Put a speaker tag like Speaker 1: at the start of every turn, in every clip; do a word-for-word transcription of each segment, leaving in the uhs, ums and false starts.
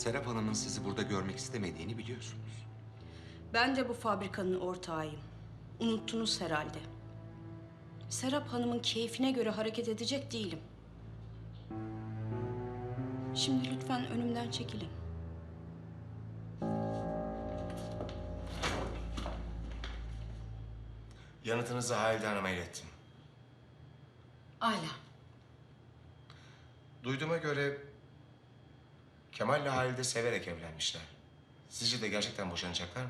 Speaker 1: Serap Hanım'ın sizi burada görmek istemediğini biliyorsunuz.
Speaker 2: Ben de bu fabrikanın ortağıyım. Unuttunuz herhalde. Serap Hanım'ın keyfine göre hareket edecek değilim. Şimdi lütfen önümden çekilin.
Speaker 3: Yanıtınızı Halide Hanım'a ilettim.
Speaker 4: Âlâ.
Speaker 3: Duyduğuma göre Kemal'le Halide severek evlenmişler. Sizce de gerçekten boşanacaklar mı?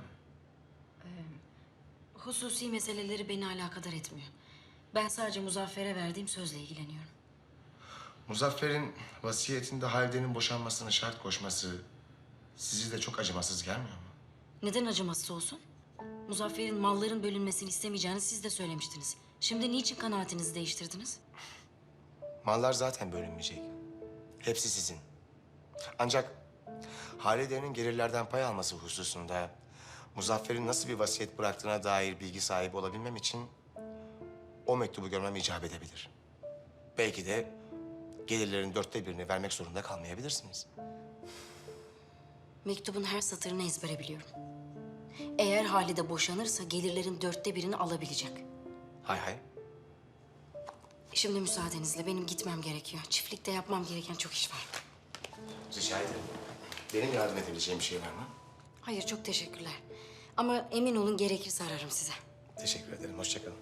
Speaker 4: Hususi meseleleri beni alakadar etmiyor. Ben sadece Muzaffer'e verdiğim sözle ilgileniyorum.
Speaker 3: Muzaffer'in vasiyetinde Halide'nin boşanmasını şart koşması sizi de çok acımasız gelmiyor mu?
Speaker 4: Neden acımasız olsun? Muzaffer'in malların bölünmesini istemeyeceğini siz de söylemiştiniz. Şimdi niçin kanaatinizi değiştirdiniz?
Speaker 3: Mallar zaten bölünmeyecek. Hepsi sizin. Ancak Halide'nin gelirlerden pay alması hususunda Muzaffer'in nasıl bir vasiyet bıraktığına dair bilgi sahibi olabilmem için o mektubu görmem icap edebilir. Belki de gelirlerin dörtte birini vermek zorunda kalmayabilirsiniz.
Speaker 4: Mektubun her satırını ezbere biliyorum. Eğer Halide boşanırsa gelirlerin dörtte birini alabilecek.
Speaker 3: Hay hay.
Speaker 4: Şimdi müsaadenizle benim gitmem gerekiyor. Çiftlikte yapmam gereken çok iş var.
Speaker 3: Rica ederim. Benim yardım edebileceğim bir şey var mı?
Speaker 4: Hayır, çok teşekkürler. Ama emin olun gerekirse ararım size.
Speaker 3: Teşekkür ederim. Hoşça kalın.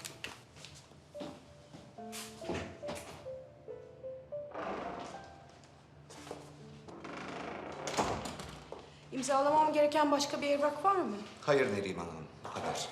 Speaker 2: İmzalamam gereken başka bir evrak var mı?
Speaker 1: Hayır Neriman Hanım, bu kadar.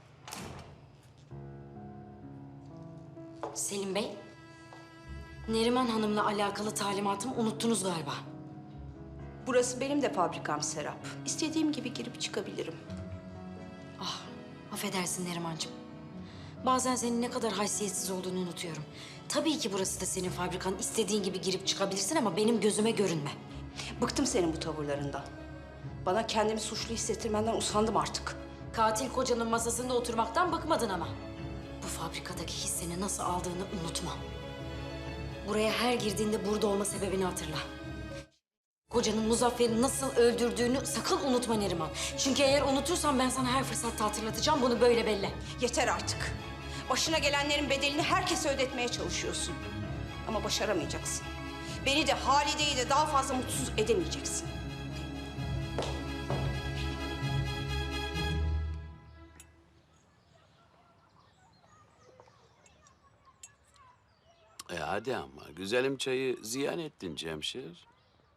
Speaker 4: Selim Bey, Neriman Hanım'la alakalı talimatımı unuttunuz galiba.
Speaker 2: Burası benim de fabrikam Serap. İstediğim gibi girip çıkabilirim.
Speaker 4: Ah, affedersin Nerimancığım. Bazen senin ne kadar haysiyetsiz olduğunu unutuyorum. Tabii ki burası da senin fabrikan. İstediğin gibi girip çıkabilirsin ama benim gözüme görünme.
Speaker 2: Bıktım senin bu tavırlarından. Bana kendimi suçlu hissettirmenden usandım artık.
Speaker 4: Katil kocanın masasında oturmaktan bıkmadın ama. Bu fabrikadaki hisseni nasıl aldığını unutma. Buraya her girdiğinde burada olma sebebini hatırla. Kocanın Muzaffer'i nasıl öldürdüğünü sakın unutma Neriman. Çünkü eğer unutursan ben sana her fırsatta hatırlatacağım. Bunu böyle belli.
Speaker 2: Yeter artık. Başına gelenlerin bedelini herkese ödetmeye çalışıyorsun. Ama başaramayacaksın. Beni de Halide'yi de daha fazla mutsuz edemeyeceksin.
Speaker 5: E hadi ama güzelim çayı ziyan ettin Cemşir.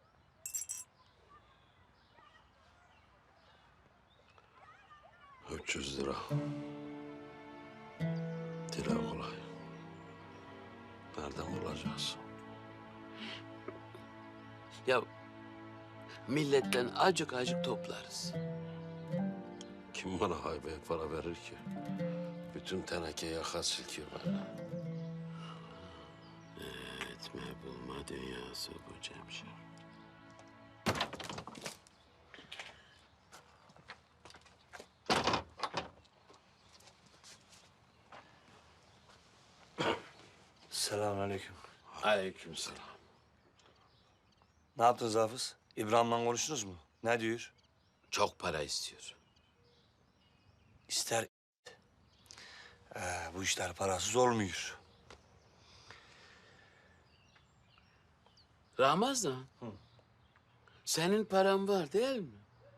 Speaker 5: üç yüz lira. Dile kolay. Nereden bulacağız? Ya milletten acık acık toplarız. Kim bana haybeye para verir ki? Bütün teneke yaka silkiyor bana. Etme bulma dünyası bu Cemşir.
Speaker 6: Selamünaleyküm.
Speaker 5: Aleykümselam.
Speaker 6: Ne yaptınız Hafız? İbrahim'le konuştunuz mu? Ne diyor?
Speaker 5: Çok para istiyor.
Speaker 6: İster. Ee, bu işler parasız olmuyor.
Speaker 5: Ramazan. Senin paran var değil mi?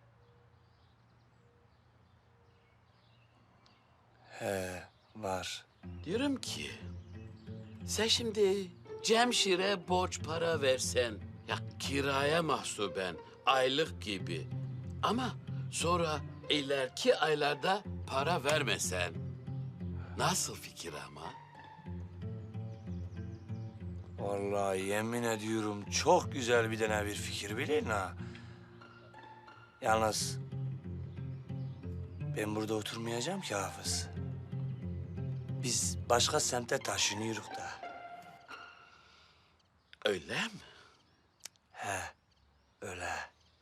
Speaker 6: He, var.
Speaker 5: Diyorum ki sen şimdi Cemşir'e borç para versen ya kiraya mahsuben aylık gibi ama sonra ileriki aylarda para vermesen nasıl fikir ama?
Speaker 6: Vallahi yemin ediyorum çok güzel bir tane bir fikir bilin ha. Yalnız ben burada oturmayacağım ki Hafız. Biz başka semte taşınıyoruz da.
Speaker 5: Öyle mi?
Speaker 6: He, öyle.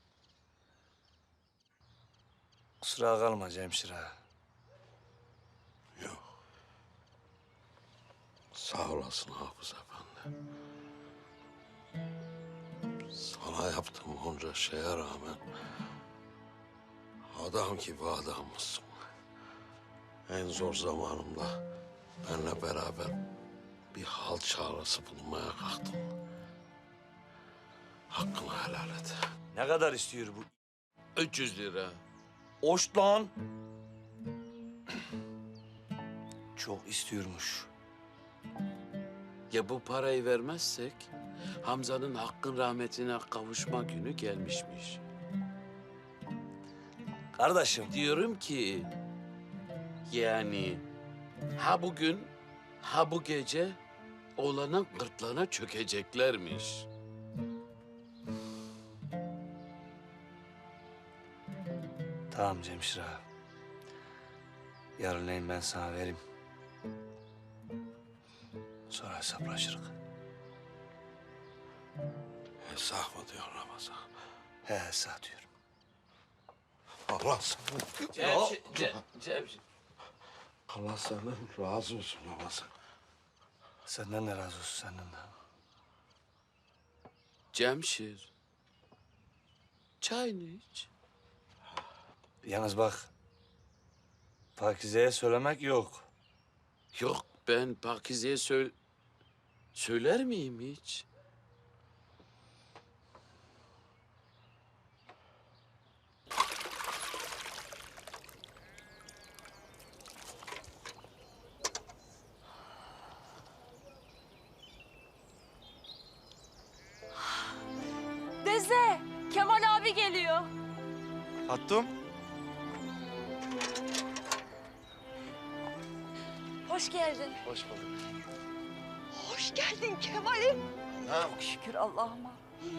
Speaker 6: Kusura kalma Cemşir ağa.
Speaker 5: Yok. Sağ olasın Hafız Efendi. Sana bana yaptığın onca şeye rağmen adam gibi adammışsın. En zor zamanımda benimle beraber bir hal çağrısı bulmaya kalktın. Hakkını helal et.
Speaker 6: Ne kadar istiyor bu?
Speaker 5: üç yüz lira.
Speaker 6: Oş lan. Çok istiyormuş.
Speaker 5: Ya bu parayı vermezsek Hamza'nın hakkın rahmetine kavuşma günü gelmişmiş.
Speaker 6: Kardeşim,
Speaker 5: Diyorum ki yani ha bugün ha bu gece oğlanın gırtlağına çökeceklermiş.
Speaker 6: tamam Cemşir ağa. Yarınleyin ben sana vereyim. Sonra hesaplaşırız.
Speaker 5: Hesap mı diyor Ramazan?
Speaker 6: He hesap diyorum.
Speaker 5: Allah sana... Cemşir, Cem, Cemşir. Allah senden razı olsun Ramazan.
Speaker 6: Senden de razı olsun, senden de.
Speaker 5: Cemşir. Çayını iç.
Speaker 6: Yalnız bak, Pakize'ye söylemek yok.
Speaker 5: Yok ben Pakize'ye söyle... Söyler miyim hiç?
Speaker 7: Deze, Kemal abi geliyor.
Speaker 3: Hattum.
Speaker 7: Hoş geldin.
Speaker 3: Hoş bulduk.
Speaker 7: Hoş geldin Kemal'im.
Speaker 3: Ha,
Speaker 7: Şükür Allah'ıma.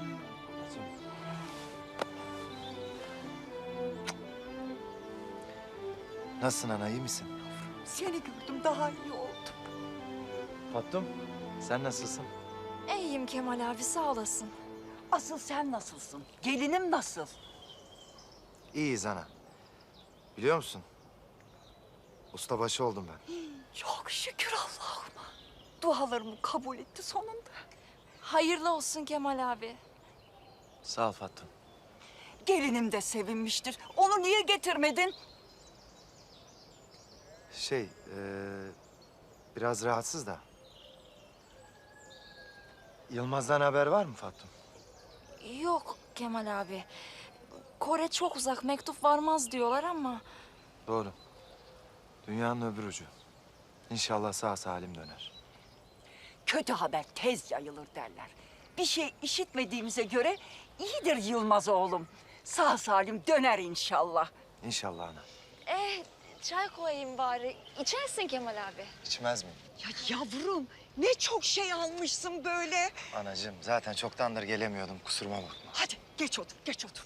Speaker 8: Nasılsın ana, iyi misin?
Speaker 7: Seni gördüm daha iyi oldum.
Speaker 8: Fattum, sen nasılsın?
Speaker 7: İyiyim Kemal abi sağ olasın.
Speaker 9: Asıl sen nasılsın? Gelinim nasıl?
Speaker 8: İyiyiz ana. Biliyor musun? Ustabaşı oldum ben.
Speaker 9: Çok şükür Allah'ıma. Dualarımı kabul etti sonunda.
Speaker 7: Hayırlı olsun Kemal abi.
Speaker 8: Sağ ol Fattum.
Speaker 9: Gelinim de sevinmiştir. Onu niye getirmedin?
Speaker 8: Şey, eee, biraz rahatsız da. Yılmaz'dan haber var mı Fattum?
Speaker 7: Yok Kemal abi. Kore çok uzak mektup varmaz diyorlar ama.
Speaker 8: Doğru. Dünyanın öbür ucu. İnşallah sağ salim döner.
Speaker 9: Kötü haber tez yayılır derler. Bir şey işitmediğimize göre iyidir Yılmaz oğlum. Sağ salim döner inşallah.
Speaker 8: İnşallah ana.
Speaker 7: Eh çay koyayım bari. İçersin Kemal abi.
Speaker 8: İçmez miyim?
Speaker 9: Ya yavrum ne çok şey almışsın böyle.
Speaker 8: Anacığım, zaten çoktandır gelemiyordum. Kusuruma bakma.
Speaker 9: Hadi geç otur, geç otur.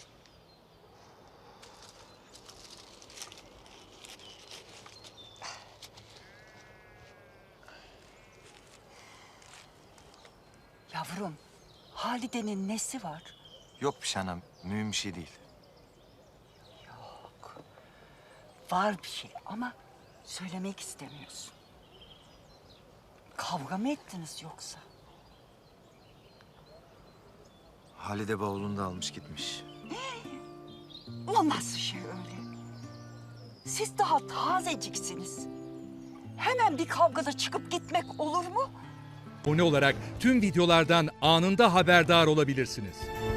Speaker 9: Yavrum, Halide'nin nesi var?
Speaker 8: Yok bir şey anam, mühim bir şey değil.
Speaker 9: Var bir şey ama söylemek istemiyorsun. Kavga mı ettiniz yoksa?
Speaker 8: Halide bavulunu da almış gitmiş.
Speaker 9: O nasıl şey öyle? Siz daha tazeciksiniz. Hemen bir kavgada çıkıp gitmek olur mu?
Speaker 10: Abone olarak tüm videolardan anında haberdar olabilirsiniz.